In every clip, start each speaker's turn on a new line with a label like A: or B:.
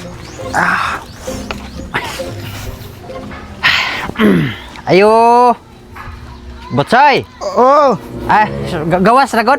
A: Ayo. Botsoy.
B: Oo.
A: Ay, gawas ragod.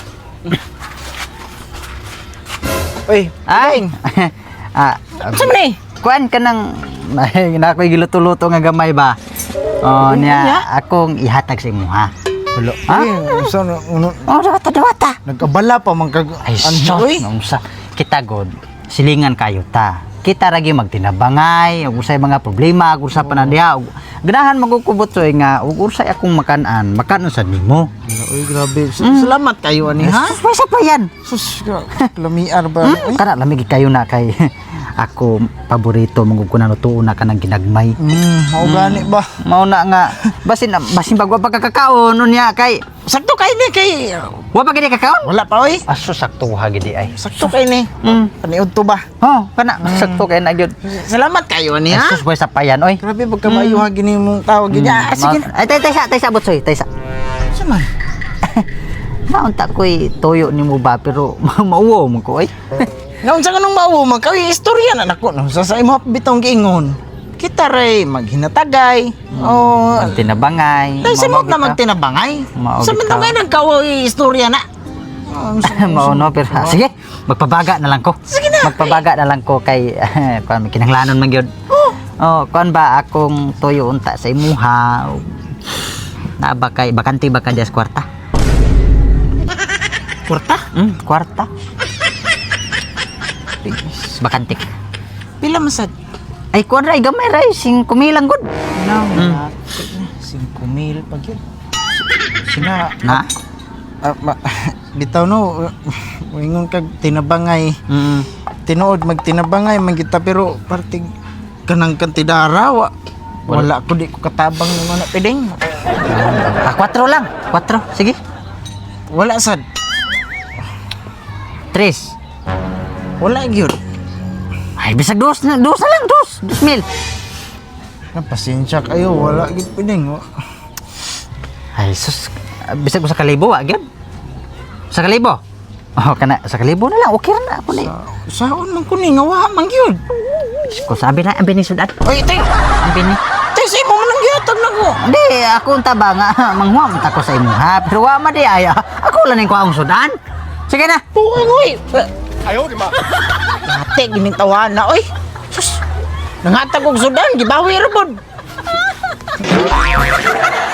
B: Uy,
A: Ay.
C: Saan man eh?
A: Kuan ka nang na ako'y giluto-luto nga gamay ba? Oh, niya akong ihatag sa imo ha. Hulo. Ha?
B: Saan,
A: Oh, dawata.
B: nagkabala pa man kag...
A: Ay, sa kita god. Silingan kayo ta. Kita ragi magtinabangay, ug usay mga problema, ug usa pa na diha. Ganahan magkukubot soy nga ug usay akong makanan sa nimo.
B: Uy, grabe. Salamat kayo, ani, ha?
A: Sus, sa pa yan.
B: Sus, lamiar ba? Uy.
A: Kana lamig kayo na kay ako paborito mong ko nalutuon na kanang ginagmay.
B: Mao gani ba?
A: Mao na nga basin bagwa pa kakakaon unya kay
B: Sakto kay ni kay...
A: wa pa gid kakaon.
B: Wala pa, oy.
A: Aso sakto ha gid ay.
B: Sakto kay ni. Paniud to ba?
A: Oh, kana sakto kay na gyud.
B: Salamat kayo, ani, ha?
A: Asus boy sa payan oy.
B: Grabe, pagkamayo ha, gini mong tawag. Sige.
A: Ay tay sa botsoy, tay sa.
B: Saman.
A: Maunta ko'y toyo ni mo ba pero mauwo mo ko oy.
B: Naunsa ka nung mauwo, magkawi istorya na nako. No? Sa imo bitong giingon. Kita ray maghinatagay. Oh,
A: Ang tinabangay.
B: dahil sa na magtinabangay.
A: Maogi
B: Sa
A: ka.
B: man nga nagkawi istorya na.
A: Mauno pero sige, magpabaga na lang ko.
B: Sige na.
A: Magpabaga na lang ko kay kuan kinahanglanon man gyud. Oh, kuan ba akong toyo unta sa imuha. Na ba kay bakante ba ka dias kwarta?
B: Kurta?
A: Kwarta. Bakante.
B: Pila masad?
A: Ay kuan ray gamay ray 5,000 lang gud.
B: No, 5,000 pag yun. Sina,
A: Na.
B: bitaw no, ingon kag tinabangay. Tinuod magtinabangay man kita pero parting kanang kantidara wala ko di ko katabang ng mga piding.
A: 4 lang. 4. Sige.
B: Wala sad.
A: 3.
B: Wala gyud.
A: Ay bisag dos na lang, 2,000.
B: Pasensya kayo, wala gyud piding.
A: Ay sus, bisag sa kalibo wa gyud. Sa kalibo. Oh, kana sa kalibo na lang, okay na ako ni.
B: Saon man ko ni nga wa man gyud.
A: Ko sabi na ang binisudad.
B: Oy, tay.
A: Ang bini.
B: Tay sa imo man ang gihatag nako.
A: Hindi, ako unta ba nga manghuam ta ko sa imo ha. Pero wa ma di ay. Ako lang ning kuang sudan. Sige na.
B: Tuwang oy. Ayo di ma. Ate gining tawana oy. Sus. Nangatag og sudan gibawi ra pod.